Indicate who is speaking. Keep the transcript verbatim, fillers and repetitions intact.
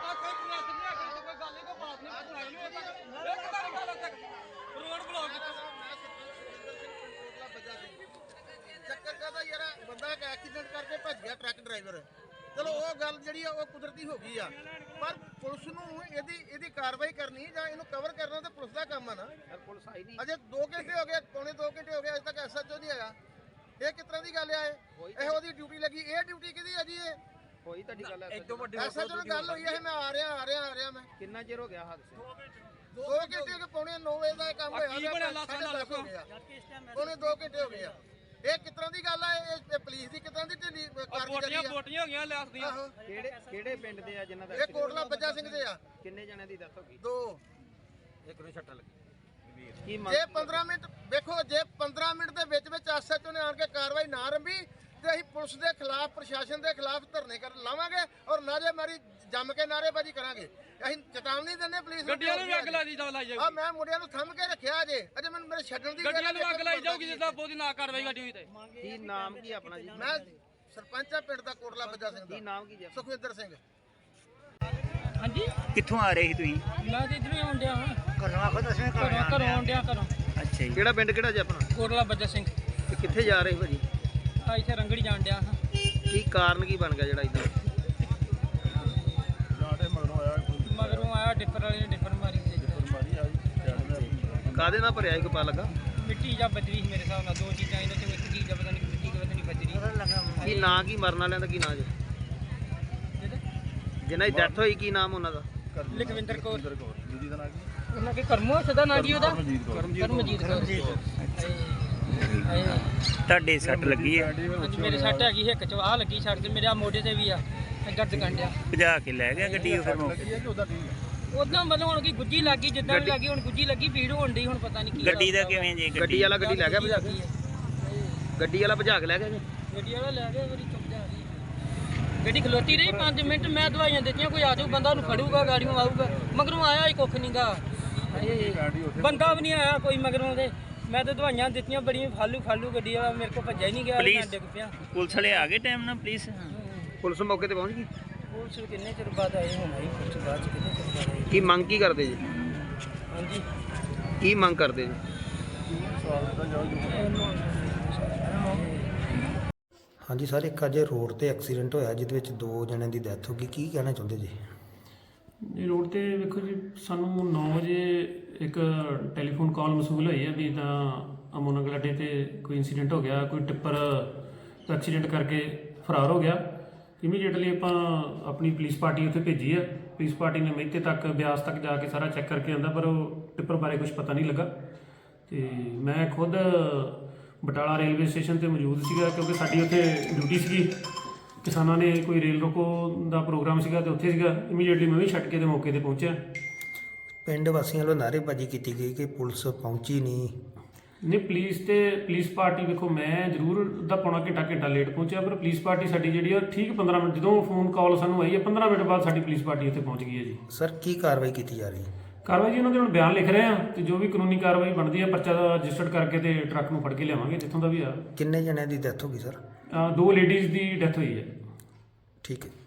Speaker 1: ਚੱਕਰ ਕਾਹਦਾ ਯਾਰ ਬੰਦਾ ਇੱਕ ਐਕਸੀਡੈਂਟ ਕਰਕੇ ਭੱਜ ਗਿਆ ਟਰੱਕ ਡਰਾਈਵਰ। ਚਲੋ ਉਹ ਗੱਲ ਜਿਹੜੀ ਆ ਉਹ ਕੁਦਰਤੀ ਹੋ ਗਈ ਆ, ਪਰ ਪੁਲਿਸ ਨੂੰ ਇਹਦੀ ਇਹਦੀ ਕਾਰਵਾਈ ਕਰਨੀ ਜਾਂ ਇਹਨੂੰ ਕਵਰ ਕਰਨਾ ਤਾਂ ਪੁਲਿਸ ਦਾ ਕੰਮ ਆ ਨਾ। ਪੁਲਿਸ ਆਈ ਨਹੀਂ, ਅਜੇ ਦੋ ਘੰਟੇ ਹੋ ਗਏ, ਪੌਣੇ ਦੋ ਘੰਟੇ ਹੋ ਗਏ, ਅਜੇ ਤੱਕ ਐਸਐਚਓ ਨਹੀਂ ਆਇਆ। ਇਹ ਕਿਸ ਤਰ੍ਹਾਂ ਦੀ ਗੱਲ ਆ? ਇਹ ਇਹੋ ਦੀ ਡਿਊਟੀ ਲੱਗੀ, ਇਹ ਡਿਊਟੀ ਕਿਹਦੀ ਆ ਜੀ? ਇਹ
Speaker 2: ਹੋਈ ਤੁਹਾਡੀ ਗੱਲ
Speaker 1: ਐਸਐਚਓ ਨਾਲ ਗੱਲ ਹੋਈ ਹੈ, ਮੈਂ ਆ ਰਿਹਾ ਆ ਰਿਹਾ ਆ ਰਿਹਾ ਮੈਂ।
Speaker 2: ਕਿੰਨਾ ਚਿਰ ਹੋ ਗਿਆ ਹਾਦਸੇ?
Speaker 1: ਦੋ ਘੰਟੇ ਹੋ ਗਏ, ਪੌਣੇ ਨੌ ਵਜੇ ਦਾ ਕੰਮ ਹੋਇਆ, ਪੌਣੇ ਦੋ ਘੰਟੇ ਹੋ ਗਏ ਆ। ਇਹ ਕਿਸ ਤਰ੍ਹਾਂ ਦੀ ਗੱਲ ਆ? ਇਹ ਪੁਲਿਸ ਦੀ ਕਿਸ ਤਰ੍ਹਾਂ ਦੀ ਢਿੱਲੀ ਕਾਰਗੁਜ਼ਾਰੀ ਆ?
Speaker 3: ਬੋਟੀਆਂ ਹੋ ਗਈਆਂ ਲਿਆਸ ਦੀਆਂ।
Speaker 2: ਕਿਹੜੇ ਕਿਹੜੇ ਪਿੰਡ ਦੇ ਆ ਜਿਨ੍ਹਾਂ ਦਾ?
Speaker 1: ਇਹ ਕੋਟਲਾ ਬੱਜਾ ਸਿੰਘ ਦੇ ਆ।
Speaker 2: ਕਿੰਨੇ ਜਣਿਆਂ ਦੀ ਡੈਥ ਹੋ ਗਈ?
Speaker 1: ਦੋ।
Speaker 2: ਇੱਕ ਨੂੰ ਛੱਟਾ ਲੱਗੀ।
Speaker 1: ਜੇ ਪੰਦਰਾਂ ਮਿੰਟ ਵੇਖੋ, ਜੇ ਪੰਦਰਾਂ ਮਿੰਟ ਦੇ ਵਿੱਚ ਵਿੱਚ ਐਸਐਚਓ ਨੇ ਆਣ ਕੇ ਕਾਰਵਾਈ ਨਾ ਆਰੰਭੀ ਤੇ ਅਸੀਂ ਪੁਲਿਸ ਦੇ ਖਿਲਾਫ, ਪ੍ਰਸ਼ਾਸਨ ਦੇ ਖਿਲਾਫ ਧਰਨੇ ਕਰ ਲਾਵਾਂਗੇ ਔਰ ਨਾਰੇਬਾਜ਼ੀ ਜੰਮ ਕੇ ਨਾਰੇਬਾਜ਼ੀ ਕਰਾਂਗੇ। ਅਸੀਂ ਚੇਤਾਵਨੀ ਦਿੰਦੇ ਪੁਲਿਸ ਨੂੰ।
Speaker 3: ਗੱਡੀਆਂ ਨੂੰ ਵੀ ਅੱਗ ਲਾਈ ਜਾਊਗੀ।
Speaker 1: ਆ ਮੈਂ ਮੁੰਡਿਆਂ ਨੂੰ ਥੰਮ ਕੇ ਰੱਖਿਆ ਜੇ, ਅਜੇ ਮੈਨੂੰ ਮੇਰੇ ਛੱਡਣ ਦੀ
Speaker 3: ਗੱਡੀਆਂ ਨੂੰ ਅੱਗ ਲਾਈ ਜਾਊਗੀ ਜਿੱਦਾਂ ਬਹੁਤੀ ਨਾ ਕਾਰਵਾਈ ਗੱਡੀ ਹੋਈ ਤੇ।
Speaker 2: ਕੀ ਨਾਮ ਕੀ ਆਪਣਾ ਜੀ?
Speaker 1: ਮੈਂ ਸਰਪੰਚ ਆ ਪਿੰਡ ਦਾ ਕੋਟਲਾ ਬੱਜਾ ਸਿੰਘ ਦਾ।
Speaker 2: ਕੀ ਨਾਮ ਕੀ ਜੀ?
Speaker 1: ਸੁਖਵਿੰਦਰ ਸਿੰਘ।
Speaker 4: ਹਾਂਜੀ,
Speaker 5: ਕਿੱਥੋਂ ਆ ਰਹੇ ਸੀ ਤੁਸੀਂ?
Speaker 4: ਮੈਂ ਤੇ ਇਧਰੋਂ ਹੀ ਆਉਣ ਡਿਆ ਹਾਂ।
Speaker 5: ਘਰੋਂ ਆਖੋ ਦੱਸਵੇਂ
Speaker 4: ਘਰੋਂ ਘਰੋਂ ਆਉਣ ਡਿਆ ਘਰੋਂ।
Speaker 5: ਅੱਛਾ ਜੀ।
Speaker 2: ਕਿਹੜਾ ਪਿੰਡ ਕਿਹੜਾ ਜੀ ਆਪਣਾ?
Speaker 4: ਕੋਟਲਾ ਬੱਜਾ ਸਿੰਘ।
Speaker 2: ਤੇ ਕਿੱਥੇ ਜਾ ਰਹੇ ਭਾਜੀ?
Speaker 4: ਆ ਇੱਥੇ ਰੰਗੜੀ ਜਾਣ ਡਿਆ ਹਾਂ।
Speaker 2: ਕੀ ਕਾਰਨ ਕੀ ਬਣ ਗਿਆ ਜਿਹੜਾ ਇਦਾਂ?
Speaker 4: ਮਗਰੋਂ ਆਇਆ ਡਿਫਰ ਵਾਲੇ ਨੇ ਡਿਫਰ ਮਾਰੀ ਤੇ
Speaker 2: ਕਾਹਦੇ ਨਾਲ ਭਰਿਆ? ਇੱਕ ਪਾ ਲੱਗਾ
Speaker 4: ਮਿੱਟੀ ਜਾਂ ਬਜਰੀ ਸੀ ਮੇਰੇ ਹਿਸਾਬ ਨਾਲ। ਦੋ ਚੀਜ਼ਾਂ ਇਹਨਾਂ ਚੋਂ ਇੱਕ ਚੀਜ਼ ਆ, ਪਤਾ ਨਹੀਂ ਮਿੱਟੀ ਕਿ ਪਤਾ ਨਹੀਂ ਬਜਰੀ।
Speaker 2: ਕੀ ਨਾਂ ਕੀ ਮਰਨ ਵਾਲਿਆਂ ਦਾ ਕੀ ਨਾਂ ਜੀ? ਜਿਹਨਾਂ ਦੀ ਡੈਥ ਹੋਈ ਕੀ ਨਾਮ ਉਹਨਾਂ ਦਾ?
Speaker 4: ਲਖਵਿੰਦਰ ਕੌਰ। ਉਹਨਾਂ ਕੇ ਕਰਮੋ ਸਦਾ ਨਾਂ ਜੀ ਉਹਦਾ? ਕਰਮਜੀਤ ਕੌਰ।
Speaker 5: ਤੁਹਾਡੇ ਸੱਟ ਲੱਗੀ ਹੈ?
Speaker 4: ਹਾਂਜੀ, ਮੇਰੇ ਸੱਟ ਹੈਗੀ ਹਿੱਕ ਚ, ਆਹ ਲੱਗੀ ਸੱਟ ਤੇ ਮੇਰੇ ਆ ਮੋਢੇ ਤੇ ਵੀ ਆ ਦਰਦ ਕੰਡਿਆ।
Speaker 5: ਭਜਾ ਕੇ ਲੈ ਗਿਆ ਗੱਡੀ ਉਹ ਫਿਰ ਮੌਕੇ?
Speaker 4: ਉਦਾਂ ਮਤਲਬ ਹੁਣ ਕੀ ਗੁੱਜੀ ਲੱਗੀ, ਜਿੱਦਾਂ ਵੀ ਲੱਗੀ ਹੁਣ ਗੁੱਜੀ ਲੱਗੀ, ਭੀੜ ਹੋਣ ਡਈ, ਹੁਣ ਪਤਾ ਨਹੀਂ ਕੀ
Speaker 5: ਗੱਡੀ ਦਾ ਕਿਵੇਂ ਜੀ?
Speaker 2: ਗੱਡੀ ਵਾਲਾ ਗੱਡੀ ਲੈ ਗਿਆ ਭਜਾ ਕੇ? ਗੱਡੀ ਵਾਲਾ ਭਜਾ ਕੇ ਲੈ ਗਿਆ ਜੀ?
Speaker 4: ਗੱਡੀ ਵਾਲਾ ਲੈ ਗਿਆ, ਮੇਰੀ ਚੁੱਪ ਜਾ ਰਹੀ। ਗੱਡੀ ਖਲੋਤੀ ਰਹੀ ਪੰਜ ਮਿੰਟ, ਮੈਂ ਦਵਾਈਆਂ ਦਿੱਤੀਆਂ, ਕੋਈ ਆ ਜਾਊ ਬੰਦਾ ਉਹਨੂੰ ਫੜੂਗਾ, ਗਾੜੀਆਂ ਆਊਗਾ। ਮਗਰੋਂ ਆਇਆ ਹੀ ਕੁੱਖ ਨਹੀਂ ਗਾ, ਬੰਦਾ ਵੀ ਨਹੀਂ ਆਇਆ ਕੋਈ ਮਗਰੋਂ ਦੇ। ਮੈਂ ਤਾਂ ਦਵਾਈਆਂ ਦਿੱਤੀਆਂ ਬੜੀਆਂ, ਫਾਲੂ ਫਾਲੂ ਗੱਡੀ ਵਾਲਾ ਮੇਰੇ ਕੋਲ ਭੱਜਿਆ ਹੀ ਨਹੀਂ ਗਿਆ, ਮੈਂ ਡਿੱਗ ਪਿਆ।
Speaker 5: ਪੁਲਿਸ ਵਾਲੇ ਆ ਗਏ ਟਾਈਮ ਨਾਲ? ਪੁਲਿਸ
Speaker 2: ਪੁਲਿਸ ਮੌਕੇ ਤੇ ਪਹੁੰਚ ਗਈ?
Speaker 4: ਪੁਲਿਸ ਕਿੰਨੇ ਚਿਰ ਬਾਅਦ ਆਏ ਹੁਣ? ਆਈ ਪੁਲਿਸ ਬਾਅਦ ਚ ਕਿੰਨੇ ਚਿਰ ਬਾਅਦ ਆਈ?
Speaker 2: ਕੀ ਮੰਗ ਕੀ ਕਰਦੇ ਜੀ?
Speaker 4: ਹਾਂਜੀ,
Speaker 2: ਕੀ ਮੰਗ ਕਰਦੇ ਜੀ?
Speaker 6: ਹਾਂਜੀ ਸਰ, ਇੱਕ ਅੱਜ ਰੋਡ ਤੇ ਐਕਸੀਡੈਂਟ ਹੋਇਆ ਜਿਹਦੇ ਵਿੱਚ ਦੋ ਜਣਿਆਂ ਦੀ ਡੈਥ ਹੋ ਗਈ, ਕੀ ਕਹਿਣਾ ਚਾਹੁੰਦੇ ਜੀ?
Speaker 7: ਜੀ ਰੋਡ ਤੇ ਵੇਖੋ ਜੀ, ਸਾਨੂੰ ਨੌ ਵਜੇ ਇੱਕ ਟੈਲੀਫੋਨ ਕਾਲ ਮਸੂਲ ਹੋਈ ਹੈ ਵੀ ਇੱਦਾਂ ਅਮੋਨਗਲ ਅੱਡੇ ਤੇ ਕੋਈ ਇਨਸੀਡੈਂਟ ਹੋ ਗਿਆ, ਕੋਈ ਟਿੱਪਰ ਐਕਸੀਡੈਂਟ ਕਰਕੇ ਫਰਾਰ ਹੋ ਗਿਆ। ਇਮੀਡੀਏਟਲੀ ਆਪਾਂ ਆਪਣੀ ਪੁਲਿਸ ਪਾਰਟੀ ਉੱਥੇ ਭੇਜੀ ਹੈ। ਪੁਲਿਸ ਪਾਰਟੀ ਨੇ ਮਹਿਤੇ ਤੱਕ, ਬਿਆਸ ਤੱਕ ਜਾ ਕੇ ਸਾਰਾ ਚੈੱਕ ਕਰਕੇ ਆਂਦਾ, ਪਰ ਉਹ ਟਿੱਪਰ ਬਾਰੇ ਕੁਝ ਪਤਾ ਨਹੀਂ ਲੱਗਾ। ਤੇ ਮੈਂ ਖੁਦ ਬਟਾਲਾ ਰੇਲਵੇ ਸਟੇਸ਼ਨ ਤੇ ਮੌਜੂਦ ਸੀਗਾ, ਕਿਉਂਕਿ ਸਾਡੀ ਉੱਥੇ ਡਿਊਟੀ ਸੀਗੀ। ਕਿਸਾਨਾਂ ਨੇ ਕੋਈ ਰੇਲ ਰੋਕੋ ਦਾ ਪ੍ਰੋਗਰਾਮ ਸੀਗਾ ਤੇ ਉੱਥੇ ਸੀਗਾ। ਇਮੀਡੀਏਟਲੀ ਮੈਂ ਵੀ ਛੱਡ ਕੇ ਤੇ ਮੌਕੇ ਤੇ ਪਹੁੰਚਿਆ।
Speaker 6: ਪਿੰਡ ਵਾਸੀਆਂ ਵੱਲੋਂ ਨਾਅਰੇਬਾਜ਼ੀ ਕੀਤੀ ਗਈ ਕਿ ਪੁਲਿਸ ਪਹੁੰਚੀ ਨਹੀਂ।
Speaker 7: ਨਹੀਂ, ਪੁਲਿਸ ਤੇ ਪੁਲਿਸ ਪਾਰਟੀ ਵੇਖੋ, ਮੈਂ ਜ਼ਰੂਰ ਅੱਧਾ ਪੌਣਾ ਘੰਟਾ ਘੰਟਾ ਲੇਟ ਪਹੁੰਚਿਆ, ਪਰ ਪੁਲਿਸ ਪਾਰਟੀ ਸਾਡੀ ਜਿਹੜੀ ਆ ਠੀਕ ਪੰਦਰਾਂ ਮਿੰਟ, ਜਦੋਂ ਫੋਨ ਕਾਲ ਸਾਨੂੰ ਆਈ ਹੈ ਪੰਦਰਾਂ ਮਿੰਟ ਬਾਅਦ ਸਾਡੀ ਪੁਲਿਸ ਪਾਰਟੀ ਉੱਥੇ ਪਹੁੰਚ ਗਈ ਹੈ ਜੀ।
Speaker 6: ਸਰ, ਕੀ ਕਾਰਵਾਈ ਕੀਤੀ ਜਾ ਰਹੀ ਹੈ?
Speaker 7: ਕਾਰਵਾਈ ਜੀ ਉਹਨਾਂ ਦੇ ਹੁਣ ਬਿਆਨ ਲਿਖ ਰਹੇ ਆ ਤੇ ਜੋ ਵੀ ਕਾਨੂੰਨੀ ਕਾਰਵਾਈ ਬਣਦੀ ਹੈ ਪਰਚਾ ਰਜਿਸਟਰਡ ਕਰਕੇ ਤੇ ਟਰੱਕ ਨੂੰ ਫੜ ਕੇ ਲਿਆਵਾਂਗੇ ਜਿੱਥੋਂ ਦਾ ਵੀ ਆ।
Speaker 6: ਕਿੰਨੇ ਜਣਿਆਂ ਦੀ ਡੈਥ ਹੋ ਗਈ ਸਰ?
Speaker 7: ਦੋ ਲੇਡੀਜ਼ ਦੀ ਡੈਥ ਹੋਈ ਹੈ।
Speaker 6: ਠੀਕ ਹੈ।